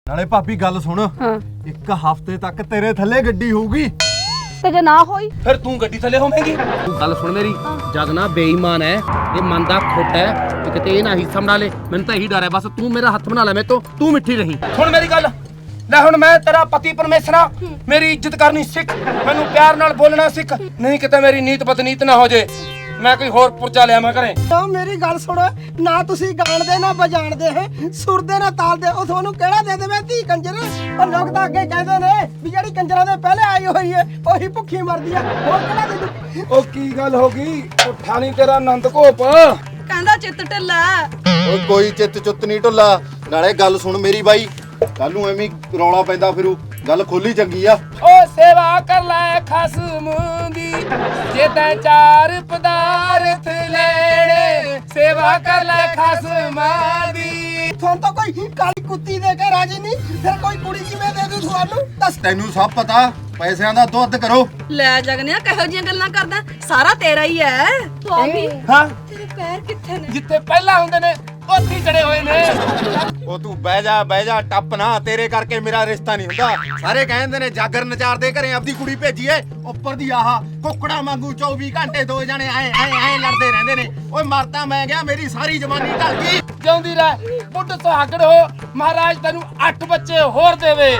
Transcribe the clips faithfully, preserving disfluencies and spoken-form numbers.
ਨਾਲੇ ਭਾਬੀ ਗੱਲ ਸੁਣ, ਹਾਂ ਇੱਕ ਹਫ਼ਤੇ ਤੱਕ ਤੇਰੇ ਥੱਲੇ ਗੱਡੀ ਹੋਊਗੀ। ਤੇ ਜੇ ਨਾ ਹੋਈ ਫਿਰ ਤੂੰ ਗੱਡੀ ਥੱਲੇ ਹੋਵੇਂਗੀ। ਤੂੰ ਗੱਲ ਸੁਣ ਮੇਰੀ, ਜਗ ਨਾ ਬੇਈਮਾਨ ਹੈ, ਇਹ ਮਨ ਦਾ ਖੋਟਾ ਹੈ ਕਿ ਕਿਤੇ ਇਹ ਨਾ ਹਿੱਸਾ ਬਣਾ ਲੈ। ਮੈਨੂੰ ਤਾਂ ਇਹੀ ਡਰ ਹੈ ਬਸ, ਤੂੰ ਮੇਰਾ ਹੱਥ ਬਣਾ ਲੈ ਮੇਰੇ ਤੋਂ, ਤੂੰ ਮਿੱਠੀ ਰਹੀਂ। ਸੁਣ ਮੇਰੀ ਗੱਲ, ਲੈ ਹੁਣ ਮੈਂ ਤੇਰਾ ਪਤੀ ਪਰਮੇਸ਼ਰਾ, ਮੇਰੀ ਇੱਜ਼ਤ ਕਰਨੀ ਸਿੱਖ, ਮੈਨੂੰ ਪਿਆਰ ਨਾਲ ਬੋਲਣਾ ਸਿੱਖ, ਨਹੀਂ ਕਿਤੇ ਮੇਰੀ ਨੀਤ ਬਦਨੀਤ ਨਾ ਹੋ ਜੇ, ਮੈਂ ਕੋਈ ਹੋਰ ਪੁਰਜਾ ਲਿਆ ਮੈਂ ਘਰੇ। ਤਾਂ ਮੇਰੀ ਗੱਲ ਸੁਣੋ, ਨਾ ਤੁਸੀਂ ਗਾਣਦੇ ਨਾ ਵਜਾਣਦੇ ਹੈ, ਸੁਰਦੇ ਨਾ ਤਾਲਦੇ, ਉਹ ਤੁਹਾਨੂੰ ਕਿਹੜਾ ਦੇ ਦੇਵੇ ਧੀ ਕੰਜਰ। ਉਹ ਲੋਕ ਤਾਂ ਅੱਗੇ ਕਹਿੰਦੇ ਨੇ ਵੀ ਜਿਹੜੀ ਕੰਜਰਾਂ ਦੇ ਪਹਿਲੇ ਆਈ ਹੋਈ ਹੈ ਉਹੀ ਭੁੱਖੀ ਮਰਦੀ ਆ, ਹੋਰ ਕਿਹੜਾ ਦੇ ਦੂ। ਉਹ ਕੀ ਗੱਲ ਹੋ ਗਈ, ਉੱਠਾ ਨਹੀਂ ਤੇਰਾ ਆਨੰਦ ਘੋਪ। ਕਹਿੰਦਾ ਚਿੱਤ ਢਿੱਲਾ। ਓਏ ਕੋਈ ਚਿੱਤ ਚੁੱਤ ਨਹੀਂ ਢੁੱਲਾ। ਨਾਲੇ ਗੱਲ ਸੁਣ ਮੇਰੀ ਬਾਈ, ਕੱਲ ਨੂੰ ਐਵੇਂ ਹੀ ਰੌਲਾ ਪੈਂਦਾ ਫਿਰੂ, ਗੱਲ ਖੋਲੀ ਚੰਗੀ ਆ। ਓ ਸੇਵਾ ਕਰ ਲੈ ਖਸਮ ਦੀ, ਜੇ ਤੈਂ ਚਾਰ ਪਦਾਰਥ ਲੈਣੇ, ਸੇਵਾ ਕਰ ਲੈ ਖਸਮ ਦੀ। ਤੁਹਾਨੂੰ ਤਾਂ ਕੋਈ ਕਾਲੀ ਕੁੱਤੀ ਦੇ ਕੇ ਰਾਜੀ ਨਹੀਂ, ਫਿਰ ਕੋਈ ਕੁੜੀ ਕਿਵੇਂ ਦੇ ਦੂ ਤੁਹਾਨੂੰ ਦੱਸ। ਤੈਨੂੰ ਸਭ ਪਤਾ, ਪੈਸਿਆਂ ਦਾ ਦੁੱਧ ਕਰੋ। ਲੈ ਜਗਨਿਆ ਕਿਹੋ ਜੀਆਂ ਗੱਲਾਂ ਕਰਦਾ, ਸਾਰਾ ਤੇਰਾ ਹੀ ਹੈ। ਭਾਬੀ ਹਾਂ, ਤੇਰੇ ਪੈਰ ਕਿੱਥੇ ਨੇ? ਜਿੱਥੇ ਪਹਿਲਾਂ ਹੁੰਦੇ ਨੇ ਉੱਥੇ ਹੀ ਚੜੇ ਹੋਏ ਨੇ। ਉਹ ਤੂੰ ਬਹਿ ਜਾ ਬਹਿ ਜਾ, ਟੱਪ ਨਾ, ਤੇਰੇ ਕਰਕੇ ਮੇਰਾ ਰਿਸ਼ਤਾ ਨਹੀਂ ਹੁੰਦਾ। ਸਾਰੇ ਕਹਿੰਦੇ ਨੇ ਜਾਗਰ ਨਚਾਰ ਦੇ ਘਰੇ ਆਪਦੀ ਕੁੜੀ ਭੇਜੀਏ, ਉੱਪਰ ਦੀ ਆਹ ਕੁੱਕੜਾ ਵਾਂਗੂ ਚੌਵੀ ਘੰਟੇ ਦੋ ਜਣੇ ਐ ਐ ਐ ਲੜਦੇ ਰਹਿੰਦੇ ਨੇ। ਓਏ ਮਰਦਾ ਮੈਂ ਗਿਆ, ਮੇਰੀ ਸਾਰੀ ਜਵਾਨੀ ਢਲ ਗਈ। ਜਿਉਂਦੀ ਰਹਿ ਬੁੱਢ ਸੁਹਾਗਣ ਹੋ, ਮਹਾਰਾਜ ਤੈਨੂੰ ਅੱਠ ਬੱਚੇ ਹੋਰ ਦੇਵੇ।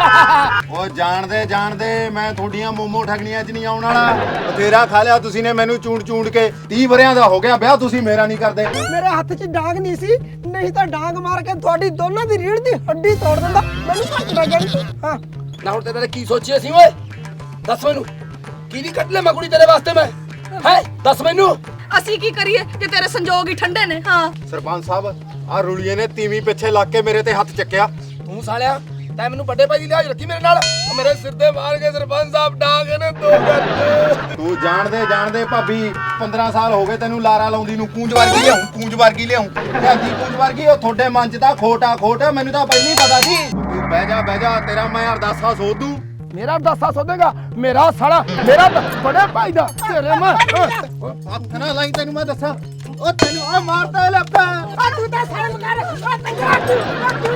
ਓ ਜਾਣਦੇ ਜਾਣਦੇ ਮੈਂ ਤੁਹਾਡੀਆਂ ਮੋਮੋ ਠਗਣੀਆਂ 'ਚ ਨਹੀਂ ਆਉਣ ਵਾਲਾ। ਬਥੇਰਾ ਖਾ ਲਿਆ ਤੁਸੀਂ ਨੇ ਮੈਨੂੰ ਚੂੰਡ ਚੂੰਡ ਕੇ। ਤੀਹ ਵਰਿਆਂ ਦਾ ਹੋ ਗਿਆ ਵਿਆਹ, ਤੁਸੀਂ ਮੇਰਾ ਨਹੀਂ ਕਰਦੇ। ਮੇਰੇ ਹੱਥ 'ਚ ਡਾਂਗ ਨਹੀਂ ਸੀ, ਨਹੀਂ ਤਾਂ ਡਾਂਗ ਮਾਰ ਕੇ ਤੁਹਾਡੀ ਦੋਨਾਂ ਦੀ ਰੀੜ ਦੀ ਹੱਡੀ ਤੋੜ ਦਿੰਦਾ। ਮੈਨੂੰ ਘੱਟ ਨਾ ਗਈ। ਹਾਂ ਨਾ ਹੁਣ ਤੇਰੇ ਕੀ ਸੋਚਿਆ ਸੀ ਓਏ, ਦੱਸ ਮੈਨੂੰ, ਕੀ ਨਹੀਂ ਕੱਢ ਲੈ ਮੈਂ ਕੁੜੀ ਤੇਰੇ ਵਾਸਤੇ ਮੈਂ, ਹੈ ਦੱਸ ਮੈਨੂੰ। ਅਸੀਂ ਕੀ ਕਰੀਏ ਕਿ ਤੇਰੇ ਸੰਜੋਗ ਹੀ ਠੰਡੇ ਨੇ। ਹਾਂ ਸਰਪੰਚ ਸਾਹਿਬ, ਆ ਰੁਲੀਏ ਨੇ ਤੀਵੀਂ ਪਿੱਛੇ ਲੱਗ ਕੇ ਮੇਰੇ ਤੇ ਹੱਥ ਚੱਕਿਆ। ਤੂੰ ਸਾਲਿਆ ਤੈਂ ਮੈਨੂੰ ਵੱਡੇ ਭਾਈ ਦੀ ਲਿਹਾਜ਼ ਰੱਖੀ ਮੇਰੇ ਨਾਲ, ਉਹ ਮੇਰੇ ਸਿਰ ਤੇ ਮਾਰ ਕੇ ਸਰਪੰਚ ਸਾਹਿਬ ਡਾਂਗ ਨੇ ਦੋ ਗੱਟ। ਤੂੰ ਜਾਣਦੇ ਜਾਣਦੇ ਭਾਬੀ ਪੰਦਰਾਂ ਸਾਲ ਹੋ ਗਏ ਤੈਨੂੰ ਲਾਰਾ ਲਾਉਂਦੀ ਨੂੰ। ਕੂੰਜ ਵਰਗੀ ਲਿਆਉਂ, ਕੂੰਜ ਵਰਗੀ ਲਿਆਉਂ, ਲਿਆਂਦੀ ਕੂੰਜ ਵਰਗੀ। ਉਹ ਤੁਹਾਡੇ ਮਨ 'ਚ ਤਾਂ ਖੋਟਾ ਖੋਟ, ਮੈਨੂੰ ਤਾਂ ਪਹਿਲਾਂ ਹੀ ਪਤਾ ਸੀ। ਤੂੰ ਬਹਿ ਜਾ ਬਹਿ ਜਾ, ਤੇਰਾ ਮੈਂ ਅਰਦਾਸਾ ਸੋਧ ਦੂੰ। ਮੇਰਾ ਅਰਦਾਸਾ ਸੋਧੇਗਾ? ਮੇਰਾ ਸਾਲਾ, ਮੇਰਾ ਵੱਡੇ ਭਾਈ ਦਾ ਤੇਰੇ ਮੈਂ ਹੱਥ ਨਾ ਲਾਈ, ਤੈਨੂੰ ਮੈਂ ਦੱਸਾਂ। ਉਹ ਤੈਨੂੰ ਆ ਮਾਰਦਾ ਲੱਭਾ। ਆ ਤੂੰ ਤਾਂ ਸ਼ਰਮ ਕਰ, ਆ ਤੰਗਰਾ ਤੂੰ ਤੂੰ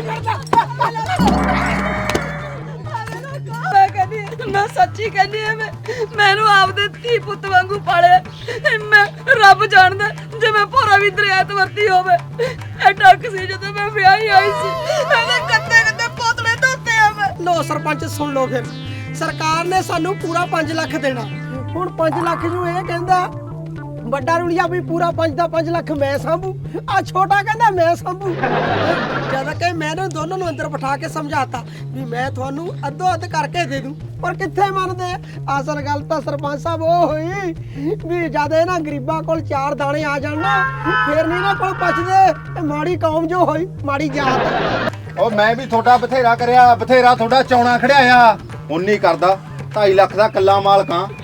ਮੈਂ ਕਹਿੰਦੀ, ਮੈਂ ਸੱਚੀ ਕਹਿੰਦੀ ਆ, ਮੈਂ ਮੈਨੂੰ ਆਪਦੇ ਧੀ ਪੁੱਤ ਵਾਂਗੂ ਪਾਲਿਆ। ਮੈਂ ਰੱਬ ਜਾਣਦਾ, ਜੇ ਮੈਂ ਭੋਰਾ ਵੀ ਦਰਿਆ ਤੇ ਵਰਤੀ ਹੋਵੇ। ਐਡਾ ਸੀ ਜਦੋਂ ਮੈਂ ਵਿਆਹੀ ਆਈ ਸੀ, ਇਹਦੇ ਕੱਤੇ ਕੱਤੇ ਪੋਤੜੇ ਧੋਤੇ ਆ ਮੈਂ। ਲੋ ਸਰਪੰਚ ਸੁਣ ਲਓ, ਫਿਰ ਸਰਕਾਰ ਨੇ ਸਾਨੂੰ ਪੂਰਾ ਪੰਜ ਲੱਖ ਦੇਣਾ। ਹੁਣ ਪੰਜ ਲੱਖ ਨੂੰ ਇਹ ਕਹਿੰਦਾ ਵੱਡਾ ਰੁਲੀਆ ਵੀ ਪੂਰਾ ਪੰਜ ਦਾ ਪੰਜ ਲੱਖ ਮੈਂ ਸਾਂਭੂ, ਆ ਛੋਟਾ ਕਹਿੰਦਾ ਮੈਂ ਸਾਂਭੂ। ਜਦ ਕਿ ਮੈਂ ਇਹਨਾਂ ਦੋਨਾਂ ਨੂੰ ਅੰਦਰ ਬਿਠਾ ਕੇ ਸਮਝਾਤਾ ਵੀ ਮੈਂ ਤੁਹਾਨੂੰ ਅੱਧੋ ਅੱਧ ਕਰਕੇ ਦੇ ਦੂੰ, ਪਰ ਕਿੱਥੇ ਮੰਨਦੇ। ਅਸਲ ਗੱਲ ਤਾਂ ਸਰਪੰਚ ਸਾਹਿਬ ਉਹ ਹੋਈ ਵੀ ਜਦ ਇਹਨਾਂ ਗਰੀਬਾਂ ਕੋਲ ਚਾਰ ਦਾਣੇ ਆ ਜਾਣ ਨਾ, ਫੇਰ ਨਹੀਂ ਇਹਨਾਂ ਕੋਲ ਬਚਦੇ। ਮਾੜੀ ਕੌਮ ਜੋ ਹੋਈ, ਮਾੜੀ ਜਾਤ। ਉਹ ਮੈਂ ਵੀ ਤੁਹਾਡਾ ਬਥੇਰਾ ਕਰਿਆ, ਬਥੇਰਾ ਤੁਹਾਡਾ ਚੌਣਾ ਖੜਿਆ ਆ। ਹੁਣ ਨਹੀਂ ਕਰਦਾ। ਢਾਈ ਲੱਖ ਦਾ ਕੱਲਾ ਮਾਲਕਾਂ,